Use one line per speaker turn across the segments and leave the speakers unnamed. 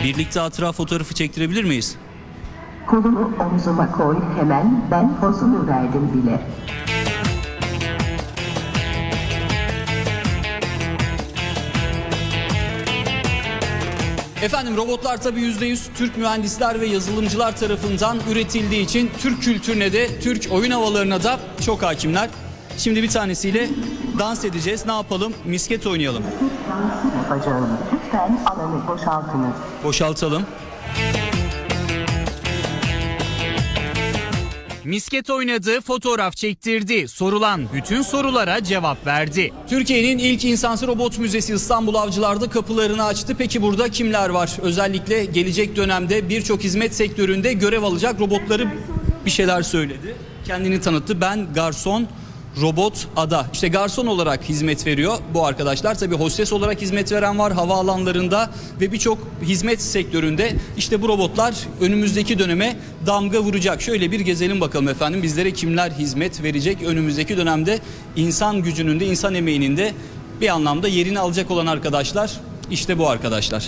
Birlikte hatıra fotoğrafı çektirebilir miyiz?
Kolunu omzuma koy hemen, ben pozunu verdim bile.
Efendim robotlar tabii %100 Türk mühendisler ve yazılımcılar tarafından üretildiği için Türk kültürüne de Türk oyun havalarına da çok hakimler. Şimdi bir tanesiyle dans edeceğiz. Ne yapalım? Misket oynayalım.
Dansı yapacağım. Lütfen alanı boşaltınız.
Boşaltalım. Misket oynadı, fotoğraf çektirdi. Sorulan bütün sorulara cevap verdi. Türkiye'nin ilk insansız robot müzesi İstanbul Avcılar'da kapılarını açtı. Peki burada kimler var? Özellikle gelecek dönemde birçok hizmet sektöründe görev alacak robotları bir şeyler söyledi. Kendini tanıttı. Ben garson robot Ada. İşte garson olarak hizmet veriyor bu arkadaşlar. Tabii hostes olarak hizmet veren var havaalanlarında ve birçok hizmet sektöründe. İşte bu robotlar önümüzdeki döneme damga vuracak. Şöyle bir gezelim bakalım efendim. Bizlere kimler hizmet verecek? Önümüzdeki dönemde insan gücünün de insan emeğinin de bir anlamda yerini alacak olan arkadaşlar. İşte bu arkadaşlar.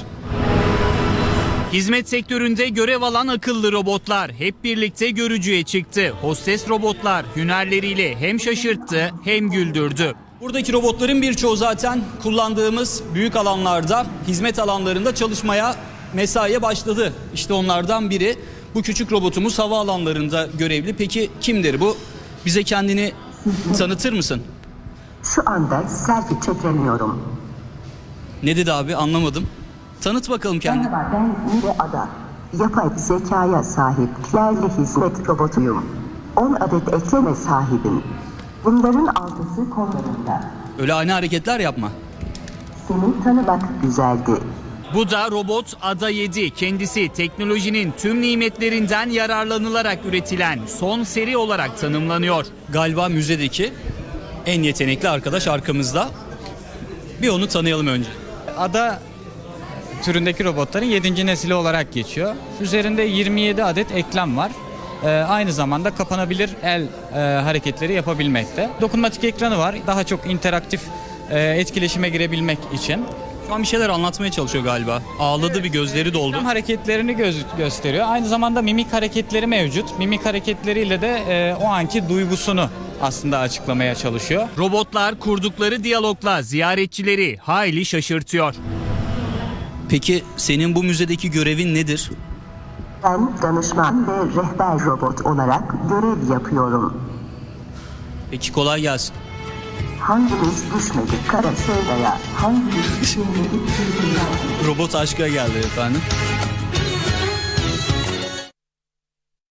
Hizmet sektöründe görev alan akıllı robotlar hep birlikte görücüye çıktı. Hostes robotlar hünerleriyle hem şaşırttı hem güldürdü. Buradaki robotların birçoğu zaten kullandığımız büyük alanlarda, hizmet alanlarında çalışmaya, mesaiye başladı. İşte onlardan biri. Bu küçük robotumuz havaalanlarında görevli. Peki kimdir bu? Bize kendini tanıtır mısın?
Şu anda selfie çekemiyorum.
Ne dedi abi, anlamadım. Tanıt bakalım kendini.
Merhaba, ben Mire Ada. Yapay zekaya sahip yerli hizmet robotuyum. 10 adet ekleme sahibim. Bunların 6'sı kollarında.
Öyle ani hareketler yapma.
Seni tanımak güzeldi.
Bu da robot Ada 7. Kendisi teknolojinin tüm nimetlerinden yararlanılarak üretilen son seri olarak tanımlanıyor. Galiba müzedeki en yetenekli arkadaş arkamızda. Bir onu tanıyalım önce.
Ada türündeki robotların 7. nesili olarak geçiyor. Üzerinde 27 adet eklem var. Aynı zamanda kapanabilir el hareketleri yapabilmekte. Dokunmatik ekranı var. Daha çok interaktif etkileşime girebilmek için.
Şu an bir şeyler anlatmaya çalışıyor galiba. Ağladı, bir gözleri doldu.
Eklem hareketlerini gösteriyor. Aynı zamanda mimik hareketleri mevcut. Mimik hareketleriyle de o anki duygusunu aslında açıklamaya çalışıyor.
Robotlar kurdukları diyalogla ziyaretçileri hayli şaşırtıyor. Peki senin bu müzedeki görevin nedir?
Ben danışman ve rehber robot olarak görev yapıyorum.
Peki kolay gelsin.
Hangimiz düşmedik kara sevdaya, hangimiz düşmedik sevdaya.
Robot aşka geldi efendim.